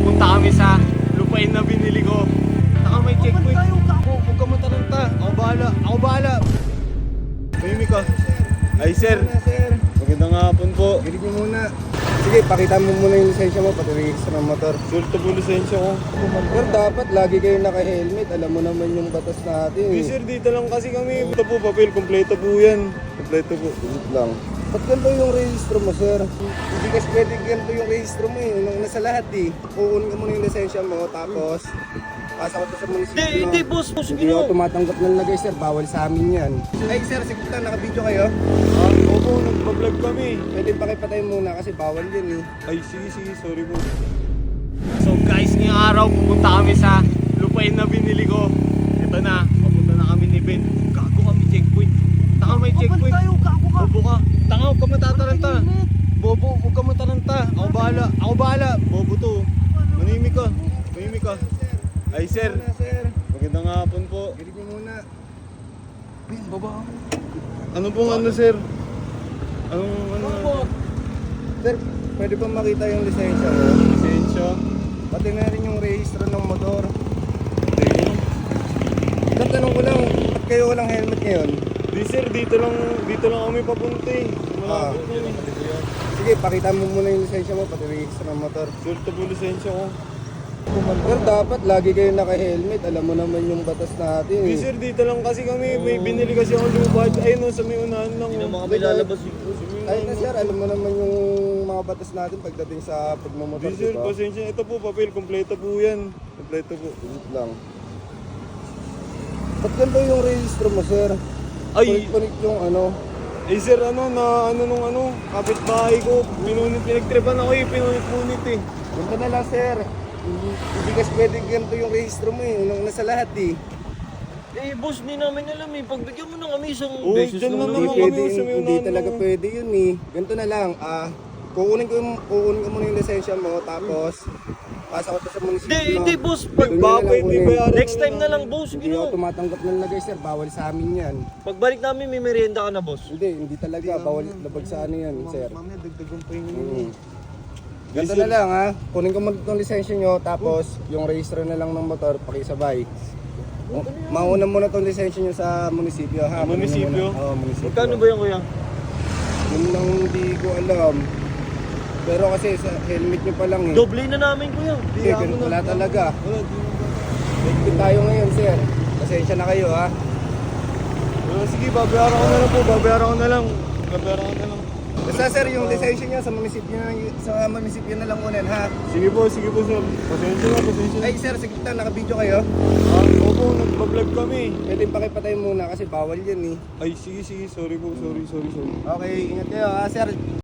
pupunta kami sa lupain na binili ko. Saka may checkpoint. Huwag ka mataranta. Ako bahala. Mimik ka. Ay sir, magandang hapon po. Gilig mo muna. Sige, pakita mo muna yung lisensya mo, pati register ng motor. Sulta po lisensya ko. Pero dapat lagi kayo naka-helmet. Alam mo naman yung batas natin. Hey sir, dito lang kasi kami. Ito po papel, kompleto po yan. Kompleto po. Wait lang. Ba't ganito yung registro mo, sir? Hindi kasi pwede ganito yung registro mo eh. Nung nasa lahat eh. Kukunin ka muna yung lisensya mo, tapos pasok ko sa munisipyo. Hindi, boss. Hindi ako tumatanggap ng lagay, sir. Bawal sa amin yan. Ay, sir, sige lang, naka-video kayo. Opo, nagpa-vlog kami. Pwede pakipatay muna kasi bawal yun eh. Ay, sige, sorry po. So guys, ngayong araw pupunta kami sa lupain na binili ko. Ito na, papunta na kami ni Ben. Gago kami checkpoint. Taka may checkpoint. Bobo ka. Tanga, huwag ka matataranta. Bobo, huwag ka mataranta. Ako bahala. Bobo to. Manimik ka. Ay sir, Sir, magandang hapon po. gilig mo muna. Ano pong ano sir? Ano? Sir, pwede ba makita yung lisensya mo? Lisensya? Pati na rin yung registro ng motor. Hindi. Tatanong ko lang, ba't kayo walang helmet ngayon? Di sir, dito lang kami papunta eh. Ah. Malapit yun eh. Sige, pakita mo muna yung lisensya mo, pati registro ng motor. Sulta po lisensya ko. Pero dapat lagi kayo naka-helmet. Alam mo naman yung batas natin. Di sir, dito lang kasi kami. May binili kasi ako lubad. Ayun o, sa may unahan lang. Hindi na oh. mga may lalabas yung Ay na sir, alam mo naman yung mga batas natin pagdating sa pagmamotor, Di sir, diba? pasensya. Ito po, papel. Kompleto po yan. Kompleto po. Wait lang. Ba't ganito yung registro mo, sir? Ay, Punit yung ano. eh sir, nung kapitbahay ko. Pinagtripan ako eh. Pinunit-punit eh. Ganito na lang, sir. Hindi kasi pwede ganito yung registro mo eh. Nung nasa lahat eh. Eh, boss, hindi namin alam eh. Pagbigyan mo na kami isang Oo, beses dyan lang naman Hindi ako. naman. pwede, sa may hindi unahan talaga lang. pwede yun eh. Ganito na lang, kukunin ko muna yung lisensya mo, tapos pasok ko sa munisipyo. Hindi, boss. Doon nyo na lang Bakit? Di kunin. bayaran Next time na lang, boss. Hindi ako Gino. tumatanggap ng lagay, sir. Bawal sa amin yan. Pagbalik namin, may merienda ka na, boss. Hindi talaga. Bawal labag sa ano yan, sir. Mamaya, dagdagan pa yung Mm. Ganito na lang ha. Kunin ko muna itong lisensya nyo, tapos yung registro na lang ng motor, pakisabay. Mauna muna itong lisensya nyo sa munisipyo ha. Munisipyo? Oo, munisipyo. Magkano ba yan, kuya? Yun lang hindi ko alam. Pero kasi sa helmet nyo pa lang eh. Doble na namin, kuya. Hindi, ganun wala talaga. Higpit tayo ngayon, sir. Pasensya na kayo ha. Sige, babayaran ko na lang po. Babayaran ko na lang. Basta sir, yung lisensya nyo sa munisipyo na lang unan ha. Sige po sir. Pasensya na. Ay sir, sige lang, naka-video kayo. Opo, nagpa-vlog kami. Pwede pakipatay muna kasi bawal yan eh. Ay, sige. Sorry po. Sorry. Okay, ingat kayo ha sir.